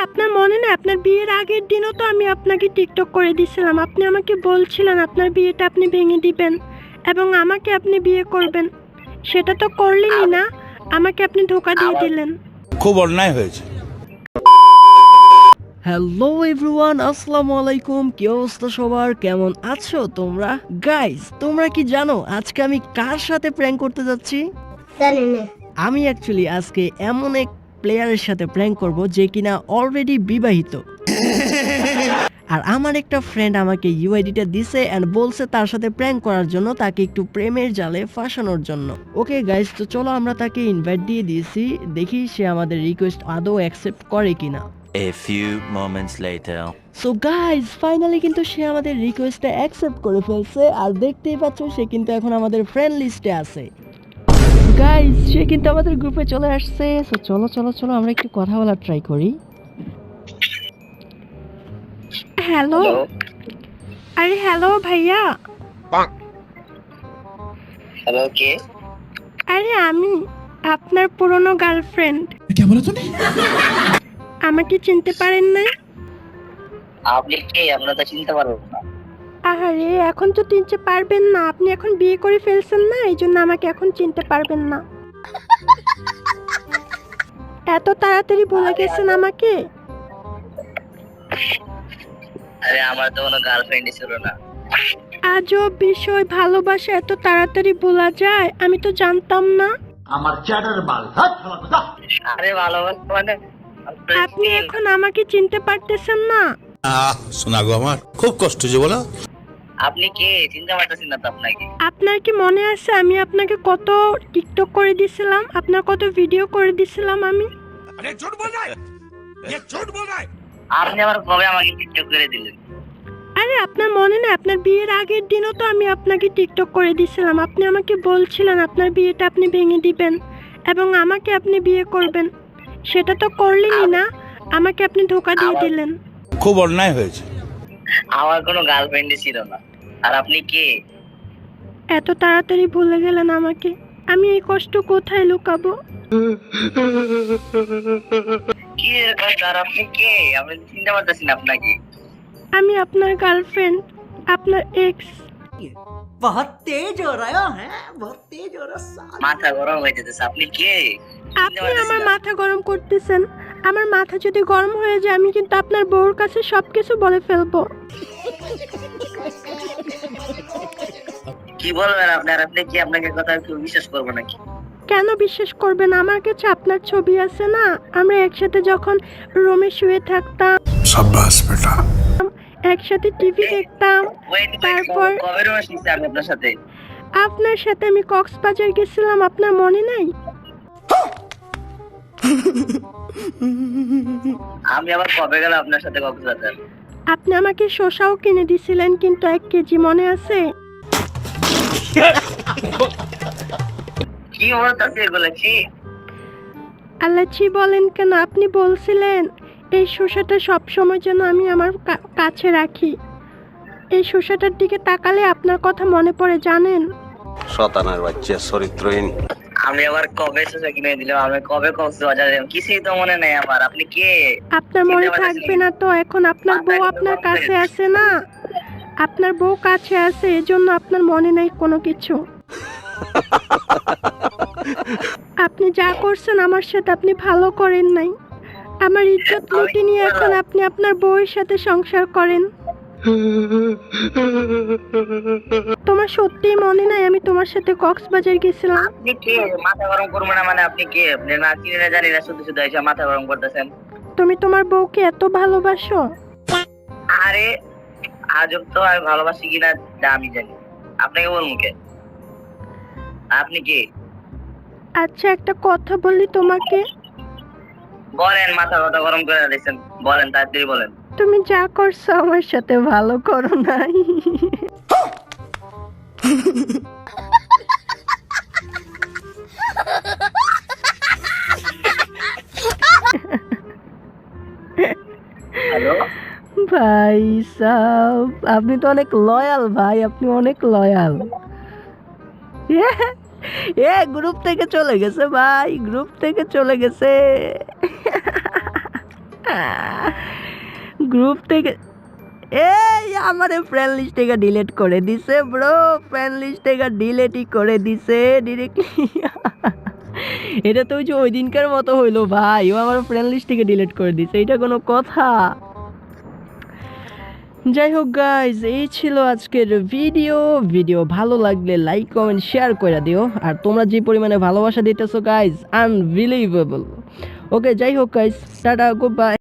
আপনার মনে নেই আপনার বিয়ের আগের দিনও তো আমি আপনাকে টিকটক করে দিয়েছিলাম। আপনি আমাকে বলছিলেন আপনার বিয়েটা আপনি ভেঙে দিবেন এবং আমাকে আপনি বিয়ে করবেন। সেটা তো করলেনই না, আমাকে আপনি ধোঁকা দিয়ে দিলেন। খুব অন্যায় হয়েছে। হ্যালো এভরিওয়ান, আসসালামু আলাইকুম। কি অবস্থা সবার, কেমন আছো তোমরা? গাইস, তোমরা কি জানো আজকে আমি কার সাথে প্র্যাঙ্ক করতে যাচ্ছি? জানি না। আমি অ্যাকচুয়ালি আজকে এমন এক প্লেয়ারের সাথে প্র্যাঙ্ক করব যে কিনা অলরেডি বিবাহিত। আর আমার একটা ফ্রেন্ড আমাকে ইউআইডিটা দিছে এন্ড বলছে তার সাথে প্র্যাঙ্ক করার জন্য, তাকে একটু প্রেমের জালে ফাঁসানোর জন্য। ওকে গাইস, তো চলো আমরা তাকে ইনভাইট দিয়ে দিয়েছি, দেখি সে আমাদের রিকোয়েস্ট আদৌ অ্যাকসেপ্ট করে কিনা। A few moments later. So guys, finally কিন্তু সে আমাদের রিকোয়েস্টটা অ্যাকসেপ্ট করে ফেলছে। আর দেখতেই পাচ্ছ সে কিন্তু এখন আমাদের ফ্রেন্ড লিস্টে আছে। গাইস, সে কিন্তু আমাদের গ্রুপে চলে আসছে। সো চলো চলো চলো আমরা একটু কথা বলার ট্রাই করি। হ্যালো, আরে হ্যালো ভাইয়া। হ্যালো, কে? আরে আমি আপনার পুরনো গার্লফ্রেন্ড। আমাকে চিনতে পারেন না? আপনি কে? আমরা তো চিনতে পারবো না। আরে এখন তো চিনতে পারবেন না, আপনি এখন বিয়ে করে ফেলছেন না, এই জন্য আমাকে এখন চিনতে পারবেন না। এত তাড়াতাড়ি ভুলে গেছেন আমাকে? আরে আমার তো কোনো গার্লফ্রেন্ডই ছিল না। আজব বিষয়, ভালোবাসা এত তাড়াতাড়ি ভোলা যায়? আমি তো জানতাম না। আরে ভালোবাসা মানে আপনি এখন আমাকে চিনতে পারতেছেন না? শোনা গো, আমার খুব কষ্ট যে বলো। আপনি কে? চিনতে পারতেছি না তো আপনাকে। আপনার কি মনে আছে আমি আপনাকে কত টিকটক করে দিছিলাম, আপনার কত ভিডিও করে দিছিলাম আমি? আপনি আবার কবে আমাকে টিকটক করে দিলেন? আরে আপনার মনে নেই আপনার বিয়ের আগের দিনও তো আমি আপনাকে টিকটক করে দিছিলাম। আপনি আমাকে বলছিলেন আপনার বিয়েটা আপনি ভেঙে দিবেন এবং আমাকে আপনি বিয়ে করবেন। সেটা তো করলেনই না, আমাকে আপনি ধোঁকা দিয়ে দিলেন। খুব অন্যায় হয়েছে। আমার কোনো গার্লফ্রেন্ডই ছিল না। আর আপনি কে? এত তাড়াতাড়ি ভুলে গেলেন আমাকে, আমি এই কষ্ট কোথায় লুকাবো? কি এরকম? আর আপনি কে? আমি চিনতে পারতেছি না আপনাকে। আমি আপনার গার্লফ্রেন্ড, আপনার এক্স। মাথা গরম হয়ে যেতেছে। আপনি কে? আপনি আমার মাথা গরম করতেছেন। আমার মাথা যদি গরম হয়ে যায় আমি কিন্তু আপনার বউর কাছে সবকিছু বলে ফেলবো। কি বলবেন আপনি? আর আপনি কি? আপনাকে কথা কেউ বিশ্বাস করবো নাকি? কেন বিশ্বাস করবেন? আমার কাছে আপনার ছবি আছে না, আমরা একসাথে যখন রুমে শুয়ে থাকতাম, সাব্বাস বেটা। একসাথে টিভি দেখতাম। তারপর কবে রোজ নিচ্ছি আমি আপনার সাথে? আপনার সাথে আমি কক্সবাজার গেছিলাম, আপনার মনে নাই? আমি আবার কবে গেলাম আপনার সাথে কক্সবাজার? আপনি আমাকে শসাও কিনে দিছিলেন কিন্তু 1 কেজি, মনে আছে? কি বলতেছে এগুলো? কি আল্লাহ ছি বলেন কেন? আপনি বলছিলেন এই শসাটা সব সময় যেন আমি আমার কাছে রাখি। এই শসাটার দিকে তাকালে আপনার কথা মনে পড়ে, জানেন? শতানার বাচ্চা চরিত্রহীন। আমি আবার কবে শসা কিনে দিলাম? আমি কবে কক্সবাজার গেলাম? কিছুই তো মনে নেই আমার। আপনি কে? আপনার মনে থাকবে না তো? এখন আপনার বউ আপনার কাছে আছে না, আপনার বউ কাছে আছে, এজন্য আপনার মনে নাই কোনো কিছু। আপনি যা করছেন আমার সাথে আপনি ভালো করেন নাই। আমার ইজ্জত লুটে নিয়ে এখন আপনি আপনার বউয়ের সাথে সংসার করেন। তোমার সত্যিই মনে নাই আমি তোমার সাথে কক্সবাজার গেছিলাম? আপনি কে? মাথা গরম করবো না মানে? আপনি কে? আপনি না চিনি না জানি না, শুধু শুধু এসে মাথা গরম করতেছেন। তুমি তোমার বউকে এত ভালোবাসো? আরে আজব তো, আমি ভালোবাসি কিনা তা আমি জানি, আপনাকে বলবো কে? আপনি কে? আচ্ছা একটা কথা বলি তোমাকে। বলেন, মাথা কথা গরম করে দিয়েছেন, বলেন, তাড়াতাড়ি বলেন। তুমি যা করছো আমার সাথে ভালো করো নাই। হ্যালো ভাই সাব, আপনি তো অনেক লয়াল ভাই, আপনি অনেক লয়াল। গ্রুপ থেকে চলে গেছে ভাই, গ্রুপ থেকে চলে গেছে। গ্রুপ থেকে এই আমার ফ্রেন্ড লিস্ট থেকে ডিলিট করে দিছে ব্রো, ফ্রেন্ড লিস্ট থেকে ডিলিটই করে দিছে ডিরেক্টলি। এটা তো ওই দিনকার মতো হইলো ভাই, ও আমার ফ্রেন্ড লিস্ট থেকে ডিলিট করে দিছে, এটা কোনো কথা? যাই হোক গাইজ, এই ছিল আজকের ভিডিও ভালো লাগলে লাইক কমেন্ট শেয়ার করে দিও। আর তোমরা যে পরিমাণে ভালোবাসা দিতেছো গাইজ, আনবিলিভেবল। ওকে, যাই হোক গাইজ, টাটা, গুড বাই।